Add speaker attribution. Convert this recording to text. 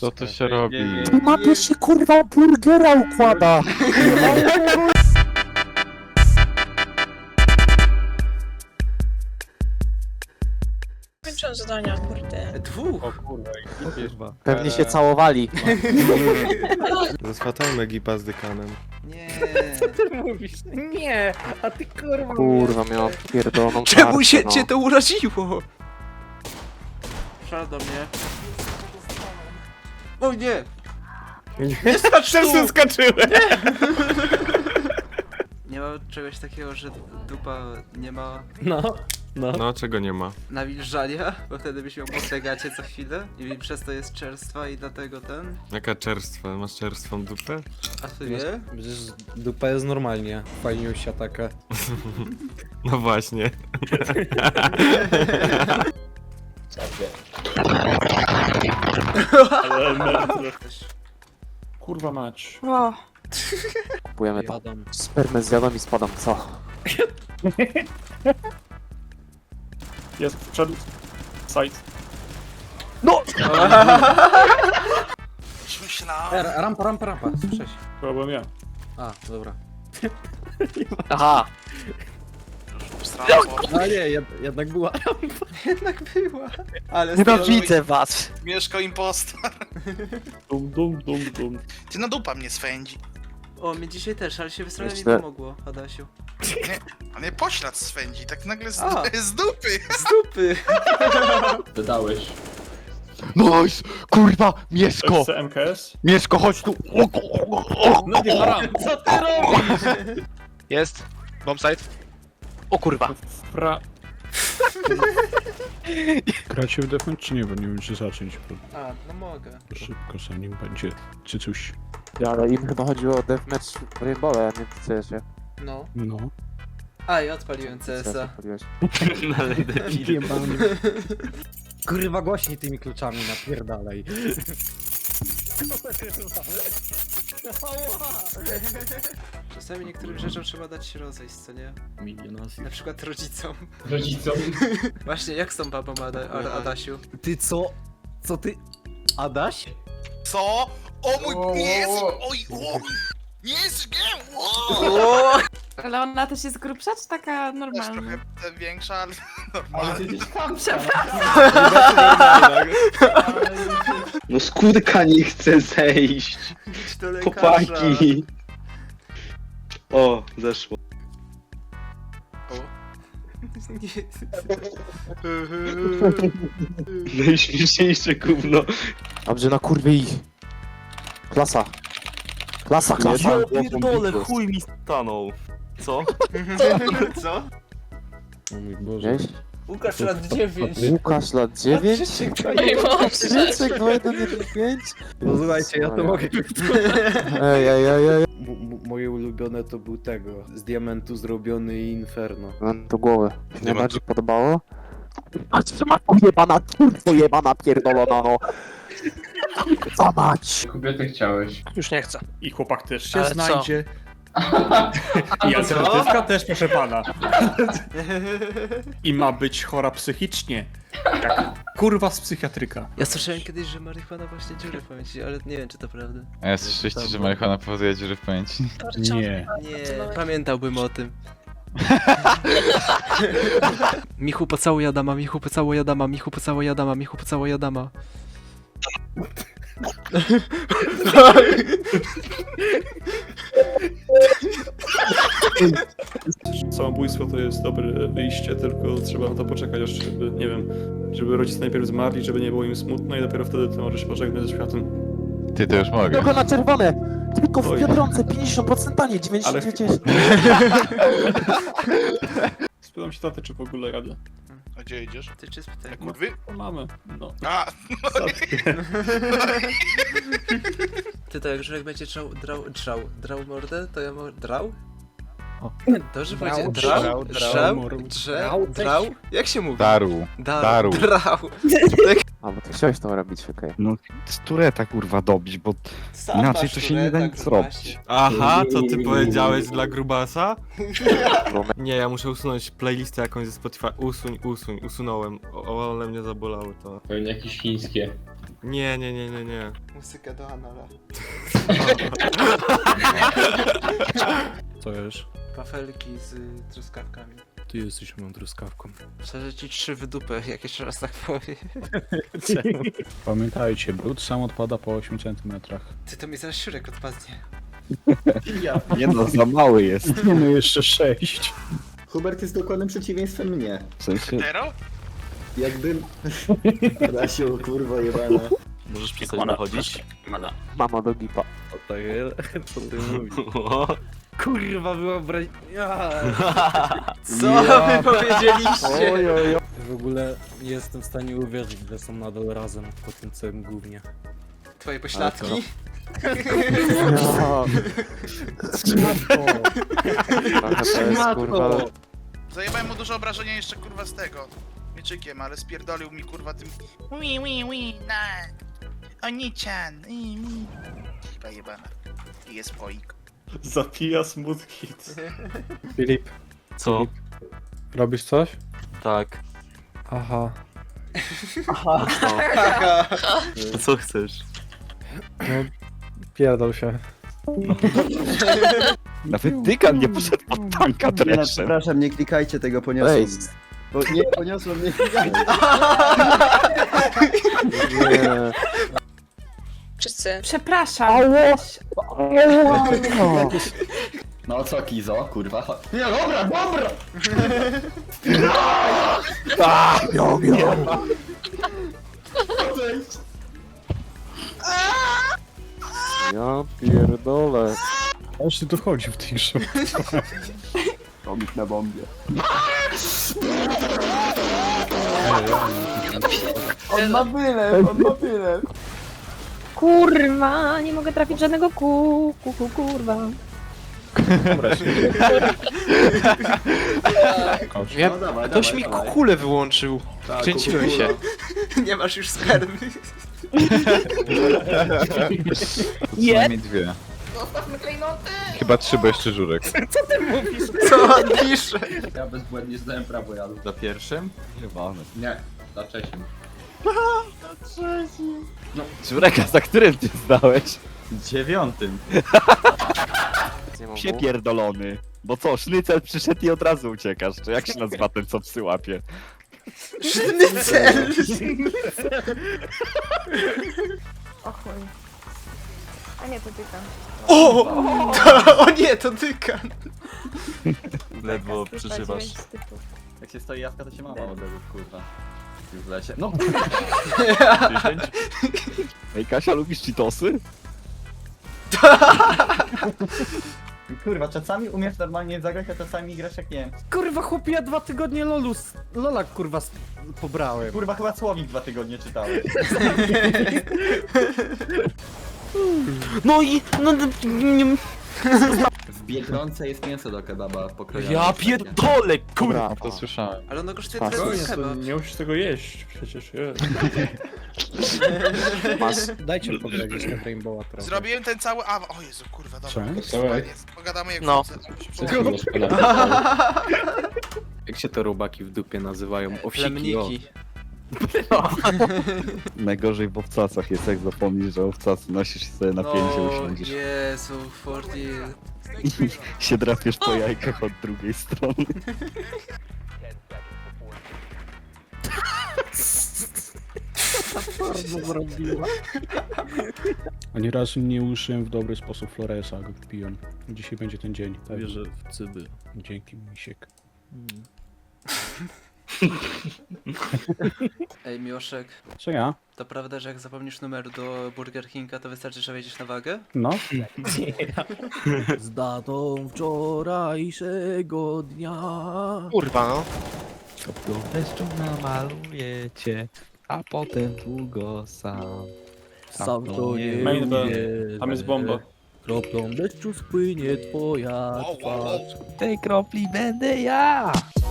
Speaker 1: Co to się robi?
Speaker 2: Tu mapie się kurwa burgera układa!
Speaker 3: Kończę zadania, kurde.
Speaker 4: Dwóch!
Speaker 1: O kurwa, kurwa.
Speaker 2: Pewnie się całowali.
Speaker 5: Rozchwatajmy Gipa z dykanem.
Speaker 4: Nie.
Speaker 6: Ty mówisz? Nie, a ty kurwa.
Speaker 2: Kurwa, miał pierdoloną
Speaker 4: Czemu
Speaker 2: tarczę,
Speaker 4: się
Speaker 2: no.
Speaker 4: cię to uraziło? Szal do mnie. O nie! Nie skacz tu!
Speaker 6: skoczyłem!
Speaker 4: Nie ma czegoś takiego, że dupa nie ma
Speaker 6: No.
Speaker 5: No, czego nie ma?
Speaker 4: nawilżania, bo wtedy byś ją postegacie co chwilę i przez to jest czerstwa i dlatego ten...
Speaker 5: Jaka czerstwa? Masz czerstwą dupę?
Speaker 4: A ty wie?
Speaker 6: Przecież dupa jest normalnie. Fajniusia taka.
Speaker 5: No właśnie.
Speaker 7: Kurwa mać.
Speaker 3: O,
Speaker 2: Kupujemy to.
Speaker 6: Jadam.
Speaker 2: Spermę zjadam i spadam, co?
Speaker 7: Jest, wszedł. Side.
Speaker 6: Rampa. Słyszę się.
Speaker 7: To byłem ja.
Speaker 6: A, dobra.
Speaker 2: Aha!
Speaker 6: A nie, jednak była.
Speaker 4: Jednak była. Ale
Speaker 2: Nienawidzę was!
Speaker 8: Mieszkał impostor.
Speaker 7: Dum.
Speaker 8: Ty na dupa mnie swędzi.
Speaker 4: O, mnie dzisiaj też, ale się wystroiłem i
Speaker 2: Jeszcze-
Speaker 4: pomogło, Adasiu.
Speaker 8: A mnie poślad swędzi, tak nagle
Speaker 4: A.
Speaker 8: z dupy.
Speaker 4: Z dupy!
Speaker 1: Wydałeś.
Speaker 2: Nice! Kurwa! Mieszko!
Speaker 7: FC MKS.
Speaker 2: Mieszko, chodź tu!
Speaker 6: No nie haram. Co ty robisz?
Speaker 9: Jest. Bombsite.
Speaker 2: O kurwa!
Speaker 7: Fra... Gracie w Deathmatch czy nie? Bo nie wiem czy zacząć, bo
Speaker 4: A, no mogę.
Speaker 7: szybko zanim będzie czy coś.
Speaker 2: Ale im chyba chodziło o deathmatch w Rainbow, a nie w CS-ie.
Speaker 4: No.
Speaker 7: No.
Speaker 4: A, i odpaliłem
Speaker 2: CS
Speaker 4: CS-a.
Speaker 2: odpaliłeś.
Speaker 6: Kurwa głośniej tymi kluczami, napierdalaj.
Speaker 4: Czasami niektórym rzeczom trzeba dać się rozejść, co nie? Na przykład rodzicom.
Speaker 1: Rodzicom.
Speaker 4: Właśnie, jak z tą babą Adasiu?
Speaker 6: Ty co? Co ty? Adaś?
Speaker 8: Co? O mój...
Speaker 1: O,
Speaker 8: Nie jest...
Speaker 1: o, o.
Speaker 8: Oj, o! Nie jest gem! O!
Speaker 3: ale ona też jest grubsza, czy taka
Speaker 8: Też
Speaker 3: normalna?
Speaker 8: trochę większa, ale
Speaker 1: Ale
Speaker 8: normalnie.
Speaker 1: ty jesteś chamska.
Speaker 10: No skórka nie chce zejść.
Speaker 4: Idź do lekarza.
Speaker 10: Chłopaki. O, zeszło.
Speaker 4: Nie.
Speaker 10: Najśmieszniejsze gówno.
Speaker 2: Dobrze, na kurwie ich! Klasa! Klasa!
Speaker 9: Pierdolę, chuj mi stanął. Co?
Speaker 4: Co?
Speaker 6: O mój Boże.
Speaker 2: Gdzieś?
Speaker 4: Łukasz lat 9.
Speaker 2: Łukasz lat 9? Krzyczek 2115?
Speaker 6: No słuchajcie, ja to mogę.
Speaker 2: Ej.
Speaker 6: Moje ulubione to był tego. Z diamentu zrobiony Inferno.
Speaker 2: Mam do głowy. Się najbardziej podobało? A co ma jebana, kurwo jebana pierdolona, no! Co mać?
Speaker 1: Kobietę chciałeś.
Speaker 9: Już nie chcę.
Speaker 7: I chłopak też się
Speaker 9: Ale co?
Speaker 7: znajdzie. I alternatywka też, proszę pana. I ma być chora psychicznie. Jak kurwa z psychiatryka.
Speaker 4: Ja słyszałem kiedyś, że marihuana właśnie dziury w pamięci, ale nie wiem, czy to prawda.
Speaker 1: A ja słyszeliście, że marihuana powoduje dziury w pamięci?
Speaker 7: Nie.
Speaker 4: Nie, pamiętałbym o tym. Michu pocałuj Adama, Michu pocałuj Adama, Michu pocałuj Adama, Michu pocałuj Adama.
Speaker 7: Samobójstwo to jest dobre wyjście, tylko trzeba na to poczekać, aż żeby, nie wiem, żeby rodzice najpierw zmarli, żeby nie było im smutno i dopiero wtedy ty możesz pożegnać ze światem.
Speaker 1: Ty to już mogę.
Speaker 2: Tylko na czerwone! Tylko w
Speaker 7: Oj.
Speaker 2: Biedronce 50% taniej, 99.
Speaker 7: Spytam się taty, czy w ogóle jadę.
Speaker 8: A gdzie idziesz?
Speaker 4: Ty czy spytaj?
Speaker 8: Na kurwy?
Speaker 7: O, mamy, no.
Speaker 8: A!
Speaker 4: Ty to jak Żurek będzie drał mordę, to ja mogę... Drał? Dobrze powiedzieć? Drał? Jak się mówi?
Speaker 1: Daru. Daru.
Speaker 4: Drał.
Speaker 2: A, bo ty chciałeś to robić, okej.
Speaker 11: No, z tureta kurwa dobić, bo inaczej to się nie da nic zrobić.
Speaker 5: Aha, co ty powiedziałeś dla grubasa? Nie, ja muszę usunąć playlistę jakąś ze Spotify. Usunąłem. O, ale mnie zabolało to.
Speaker 1: Pewnie jakieś chińskie.
Speaker 5: Nie.
Speaker 4: Muzyka do Anala.
Speaker 6: Co jest?
Speaker 4: Wafelki z truskawkami.
Speaker 6: Ty jesteś moją truskawką.
Speaker 4: Szczerze ci 3 w dupę, jak jeszcze raz tak powiem.
Speaker 6: Pamiętajcie, brud sam odpada po 8 cm.
Speaker 4: Ty to mi zaraz siurek odpadnie.
Speaker 11: Nie no, za mały jest.
Speaker 6: Nie no, jeszcze 6.
Speaker 10: Hubert jest dokładnym przeciwieństwem mnie.
Speaker 11: W sensie,
Speaker 8: Tero?
Speaker 10: Jakbym... Rasiu, kurwa jebana.
Speaker 9: Możesz przestać wychodzić?
Speaker 2: Mama do gipa.
Speaker 6: O tak jest? Co ty mówisz? Kurwa, wyobraź...
Speaker 4: Co wy powiedzieliście?
Speaker 6: W ogóle nie jestem w stanie uwierzyć, że są nadal razem po tym całym gównie.
Speaker 4: Twoje pośladki?
Speaker 8: Zajebałem mu dużo obrażenia jeszcze kurwa z tego. Mieczykiem, ale spierdolił mi kurwa tym. Na. Oni-chan. Chyba jebana. I jest poik.
Speaker 7: Zapija smooth hit.
Speaker 6: Filip,
Speaker 9: Co?
Speaker 6: robisz coś?
Speaker 9: Tak.
Speaker 6: Aha.
Speaker 9: A co chcesz?
Speaker 6: No, pierdol się.
Speaker 11: nawet Dykan nie poszedł pod tanka dreszem.
Speaker 10: Przepraszam, nie klikajcie tego, poniosłem.
Speaker 2: Ej.
Speaker 10: Nie, poniosłem, nie klikajcie.
Speaker 2: Nie.
Speaker 3: Wszyscy. Przepraszam.
Speaker 10: No co, Kizo, kurwa? Nie, dobra!
Speaker 2: Ja pierdolę.
Speaker 6: Aż ty tu wchodzi w tej grze.
Speaker 10: Komik na bombie. On ma wylew.
Speaker 3: Kurwa, nie mogę trafić żadnego kurwa.
Speaker 10: No dawaj,
Speaker 4: Ktoś mi kulę wyłączył. Kręciłem się. Nie masz już spermy.
Speaker 1: Co najmniej 2.
Speaker 3: Zostawmy klejnoty!
Speaker 1: Chyba 3, bo jeszcze żurek.
Speaker 4: Co on pisze?
Speaker 10: Ja bezbłędnie zdałem prawo jadu.
Speaker 1: Za pierwszym?
Speaker 11: Jebany.
Speaker 10: Nie, za trzecim.
Speaker 11: Żureka, za którym ty zdałeś?
Speaker 10: 9.
Speaker 11: Psie pierdolony. Bo co, sznycel przyszedł i od razu uciekasz. Czy jak się nazywa ten, co psy łapie?
Speaker 4: Sznycel!
Speaker 3: O chuj. A nie, to tyka.
Speaker 4: O nie, to Dykan.
Speaker 9: Ledwo przeżywasz.
Speaker 10: Jak się stoi jaska, to się mama odezów, kurwa. W lesie. No,
Speaker 9: 10?
Speaker 11: Ej, Kasia, lubisz cheatosy?
Speaker 10: kurwa, czasami umiesz normalnie zagrać, a czasami grasz jak nie wiem.
Speaker 6: Kurwa, chłopie, ja 2 tygodnie Lola kurwa pobrałem.
Speaker 10: Kurwa, chyba słowik 2 tygodnie czytałeś.
Speaker 6: No i...
Speaker 10: W Biedronce jest mięso do kebaba pokrojone.
Speaker 6: Ja pierdolę, kurwa!
Speaker 2: Dobra,
Speaker 1: To słyszałem.
Speaker 4: Ale ono kosztuje
Speaker 2: Patrz.
Speaker 4: tyle
Speaker 7: To
Speaker 4: chyba.
Speaker 7: nie musisz tego jeść przecież,
Speaker 2: masz.
Speaker 6: Dajcie pograć na Rainbowa trochę.
Speaker 8: Zrobiłem ten cały o Jezu, kurwa, dobra.
Speaker 6: Co?
Speaker 8: Spokojnie, pogadamy jak
Speaker 4: No.
Speaker 8: wrócę.
Speaker 6: Jak się te robaki w dupie nazywają? Owsiki, o.
Speaker 4: Plemniki.
Speaker 11: Najgorzej w owcasach jest, jak zapomnisz, że owcasy nosisz i sobie na pięcie usiądziesz.
Speaker 4: Jezu, Forty.
Speaker 11: I się drapiesz po jajkach od drugiej strony.
Speaker 6: Ani razu nie użyłem w dobry sposób Floresa, go piłem. Dzisiaj będzie ten dzień. Wierzę w cyby. Dzięki, misiek.
Speaker 4: Ej, Miłoszek,
Speaker 6: Co ja?
Speaker 4: to prawda, że jak zapomnisz numer do Burger Kinga, to wystarczy, że wejdziesz na wagę?
Speaker 6: No. Z datą wczorajszego dnia.
Speaker 4: Kurwa, no.
Speaker 11: Kroplą deszczu namaluję cię, a potem długo sam.
Speaker 6: Sam to nie
Speaker 7: Main ban.
Speaker 6: wierzę.
Speaker 7: Tam jest bomba.
Speaker 6: Kroplą deszczu spłynie twoja
Speaker 8: Wow, wow, wow.
Speaker 6: twarz.
Speaker 11: W tej kropli będę ja!